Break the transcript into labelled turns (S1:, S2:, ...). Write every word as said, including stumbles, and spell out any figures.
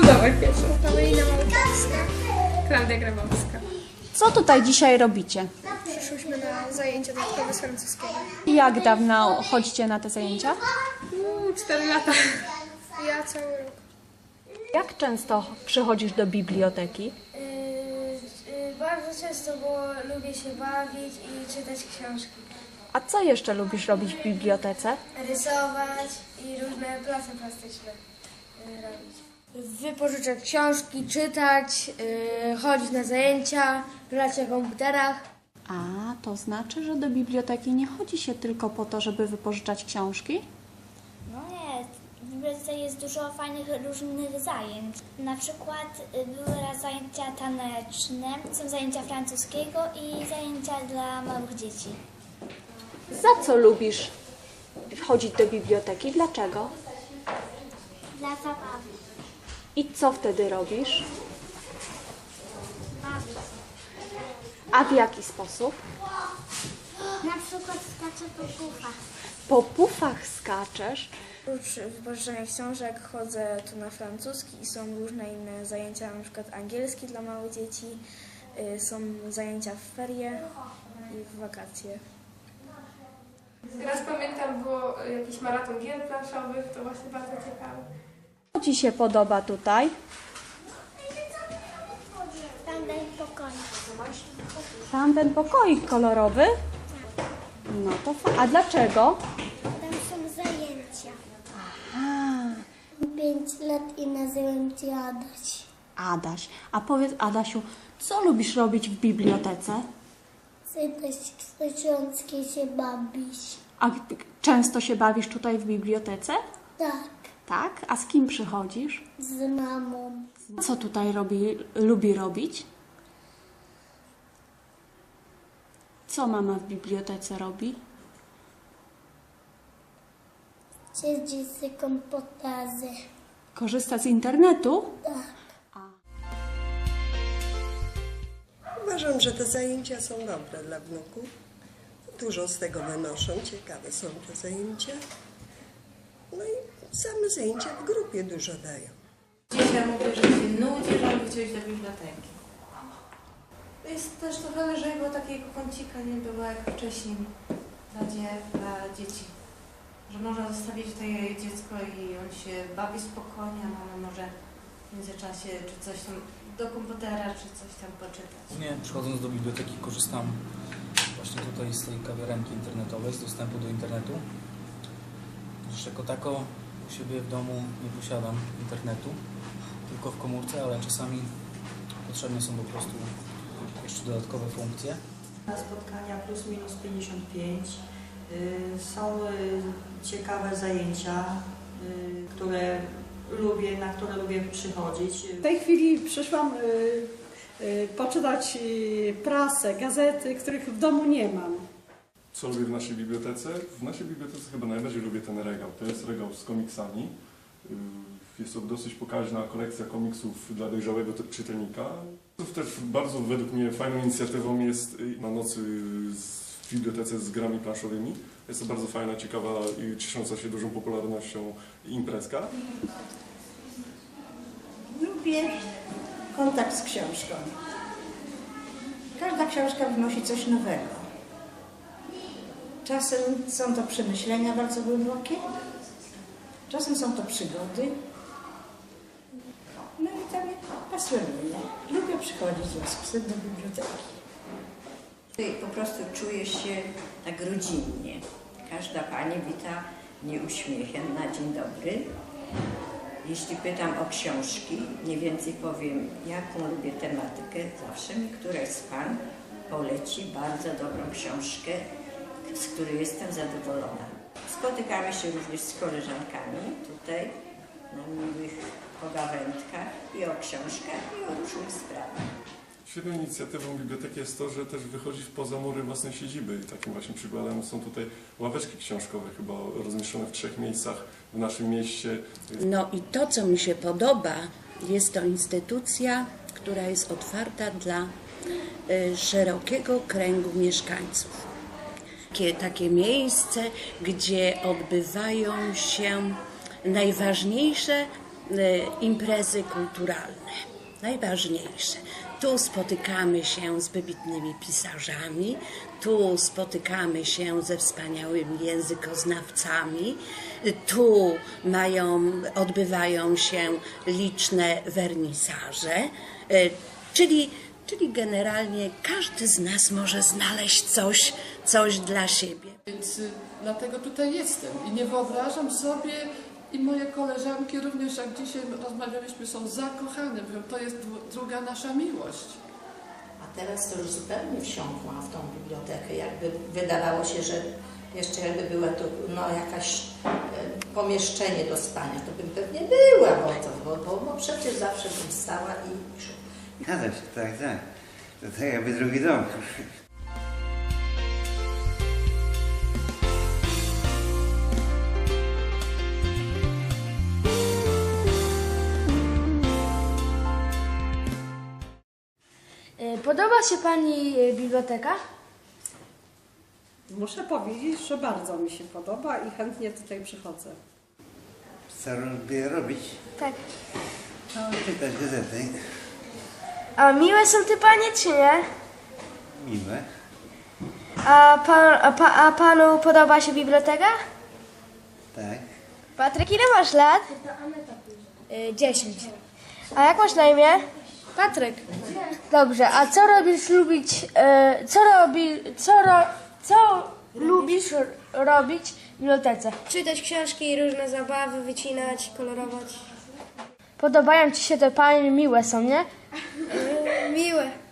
S1: Budować pierwszą.
S2: Paulina Małkowska.
S1: Klaudia Grabowska.
S3: Co tutaj dzisiaj robicie?
S2: Przyszłyśmy na zajęcia dodatkowe z francuskiego.
S3: I jak dawno chodzicie na te zajęcia?
S1: Uuu, cztery lata.
S2: Ja cały rok.
S3: Jak często przychodzisz do biblioteki?
S4: Yy, yy, bardzo często, bo lubię się bawić i czytać książki.
S3: A co jeszcze lubisz robić w bibliotece?
S4: Rysować i różne prace plastyczne yy, robić. Wypożyczać książki, czytać, yy, chodzić na zajęcia, grać na komputerach.
S3: A, to znaczy, że do biblioteki nie chodzi się tylko po to, żeby wypożyczać książki?
S5: No nie, w bibliotece jest dużo fajnych różnych zajęć. Na przykład y, były raz zajęcia taneczne, są zajęcia francuskiego i zajęcia dla małych dzieci.
S3: Za co lubisz chodzić do biblioteki? Dlaczego?
S5: Dla zabawy.
S3: I co wtedy robisz?
S5: Bawić.
S3: A w jaki sposób?
S5: Na przykład skaczę po pufach.
S3: Po pufach skaczesz.
S4: Oprócz wypożyczania książek chodzę tu na francuski i są różne inne zajęcia, na przykład angielski dla małych dzieci, yy, są zajęcia w ferie i w wakacje.
S1: Raz pamiętam, było jakiś maraton gier planszowych, to właśnie bardzo ciekawe.
S3: Co Ci się podoba tutaj?
S5: Tam daj pokoju.
S3: Tam ten pokoik kolorowy? No to fa- A dlaczego?
S5: Tam są zajęcia.
S3: A,
S5: Pięć lat i nazywam cię Adaś.
S3: Adaś. A powiedz, Adasiu, co lubisz robić w bibliotece?
S5: Czytać książki się bawić.
S3: A g- często się bawisz tutaj w bibliotece?
S5: Tak,
S3: Tak? A z kim przychodzisz?
S5: z mamą.
S3: Co tutaj robi, lubi robić? Co mama w bibliotece robi?
S5: Siedzi z komputerze.
S3: Korzysta z internetu?
S5: Tak.
S6: Uważam, że te zajęcia są dobre dla wnuków. Dużo z tego wynoszą, ciekawe są te zajęcia. No i same zajęcia w grupie dużo dają.
S7: Dzisiaj mówię, że się nudzi, że on chce iść do biblioteki. Jest też trochę lżej, bo takiego kącika nie było jak wcześniej dla, dzie, dla dzieci. Że można zostawić tutaj dziecko i on się bawi spokojnie, a mama może w międzyczasie czy coś tam do komputera, czy coś tam poczytać.
S8: Nie, przychodząc do biblioteki korzystam właśnie tutaj z tej kawiarenki internetowej, z dostępu do internetu. Zresztą jako tako u siebie w domu nie posiadam internetu, tylko w komórce, ale czasami potrzebne są po prostu jeszcze dodatkowe funkcje.
S9: Na spotkania plus minus pięćdziesiąt pięć są ciekawe zajęcia, które lubię, na które lubię przychodzić.
S10: W tej chwili przyszłam y, y, poczytać y, prasę, gazety, których w domu nie mam.
S11: Co lubię w naszej bibliotece? W naszej bibliotece chyba najbardziej lubię ten regał. To jest regał z komiksami. Jest to dosyć pokaźna kolekcja komiksów dla dojrzałego czytelnika. Też bardzo według mnie fajną inicjatywą jest na nocy w bibliotece z grami planszowymi. Jest to bardzo fajna, ciekawa i ciesząca się dużą popularnością imprezka.
S9: Lubię kontakt z książką. Każda książka wnosi coś nowego. Czasem są to przemyślenia bardzo głębokie, czasem są to przygody. No i to mnie pasjonuje. Lubię przychodzić z łaskiem do biblioteki.
S12: Po prostu czuję się tak rodzinnie. Każda pani wita mnie uśmiechem na dzień dobry. Jeśli pytam o książki, mniej więcej powiem, jaką lubię tematykę, zawsze mi któraś z pań poleci bardzo dobrą książkę, z której jestem zadowolona. Spotykamy się również z koleżankami tutaj na miłych pogawędkach i o książkach, i o różnych sprawach.
S11: Świetną inicjatywą biblioteki jest to, że też wychodzi poza mury własnej siedziby. I takim właśnie przykładem są tutaj ławeczki książkowe, chyba rozmieszczone w trzech miejscach w naszym mieście.
S13: No i to, co mi się podoba, jest to instytucja, która jest otwarta dla y, szerokiego kręgu mieszkańców. Takie, takie miejsce, gdzie odbywają się najważniejsze imprezy kulturalne, najważniejsze. Tu spotykamy się z wybitnymi pisarzami, tu spotykamy się ze wspaniałymi językoznawcami, tu mają, odbywają się liczne wernisaże, czyli, czyli generalnie każdy z nas może znaleźć coś, coś dla siebie.
S14: Więc y, dlatego tutaj jestem i nie wyobrażam sobie, i moje koleżanki również, jak dzisiaj rozmawialiśmy, są zakochane, mówią, to jest druga nasza miłość.
S9: A teraz to już zupełnie wsiąkłam w tą bibliotekę, jakby wydawało się, że jeszcze jakby była to no, jakaś e, pomieszczenie do spania, to bym pewnie była, bo, to, bo, bo, bo przecież zawsze bym stała i...
S15: Zgadza się, tak, tak. To tak jakby drugi dom.
S16: Podoba się Pani biblioteka?
S10: Muszę powiedzieć, że bardzo mi się podoba i chętnie tutaj przychodzę.
S15: Co lubię robić?
S16: Tak.
S15: No, czytać gazety.
S16: A miłe są te Panie, czy nie?
S15: Miłe.
S16: A, pan, a, pa, a Panu podoba się biblioteka?
S15: Tak.
S16: Patryk, ile masz lat? Y, dziesięć. A jak masz na imię? Patryk. Dobrze, a co robisz lubić, y, co robi, co, ro, co lubisz robić w bibliotece?
S2: Czytać książki, różne zabawy, wycinać, kolorować.
S16: Podobają Ci się te Panie, miłe są, nie?
S2: Miłe.